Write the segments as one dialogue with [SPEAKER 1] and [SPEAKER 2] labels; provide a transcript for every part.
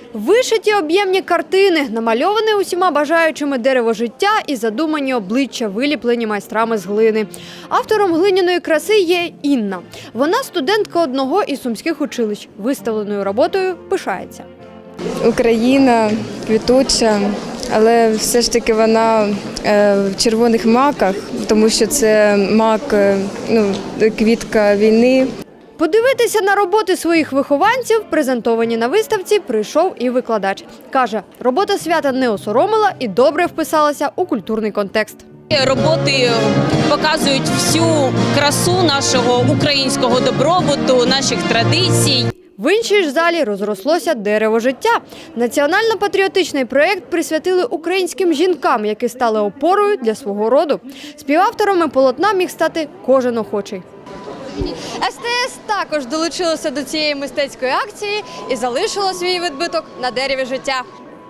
[SPEAKER 1] Вишиті об'ємні картини, намальоване усіма бажаючими дерево життя і задумані обличчя, виліплені майстрами з глини. Автором глиняної краси є Інна. Вона студентка одного із сумських училищ. Виставленою роботою пишається.
[SPEAKER 2] Україна квітуча, але все ж таки вона в червоних маках, тому що це мак, квітка війни.
[SPEAKER 1] Подивитися на роботи своїх вихованців, презентовані на виставці, прийшов і викладач. Каже, робота свята не осоромила і добре вписалася у культурний контекст.
[SPEAKER 3] Роботи показують всю красу нашого українського добробуту, наших традицій.
[SPEAKER 1] В іншій ж залі розрослося дерево життя. Національно-патріотичний проєкт присвятили українським жінкам, які стали опорою для свого роду. Співавторами полотна міг стати кожен охочий. СТС також долучилося до цієї мистецької акції і залишило свій відбиток на дереві життя.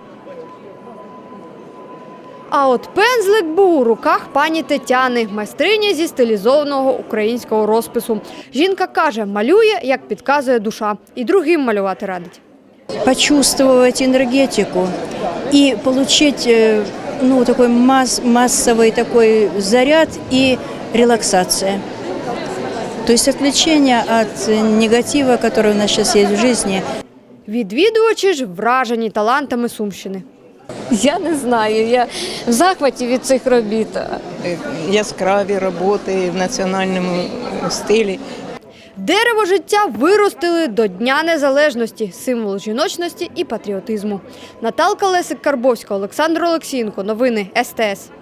[SPEAKER 1] А от пензлик був у руках пані Тетяни, майстрині зі стилізованого українського розпису. Жінка каже, малює, як підказує душа, і другим малювати радить.
[SPEAKER 4] Почувствовать энергетику и получить такой массовый такой заряд и релаксация. То есть отвлечение от негатива, который у нас сейчас есть в жизни.
[SPEAKER 1] Відвідувачі ж вражені талантами Сумщини.
[SPEAKER 5] Я не знаю, я в захваті від цих робіт.
[SPEAKER 6] Яскраві роботи в національному стилі.
[SPEAKER 1] Дерево життя виростили до Дня Незалежності, символ жіночності і патріотизму. Наталка Лесик-Карбовська, Олександр Олексієнко. Новини СТС.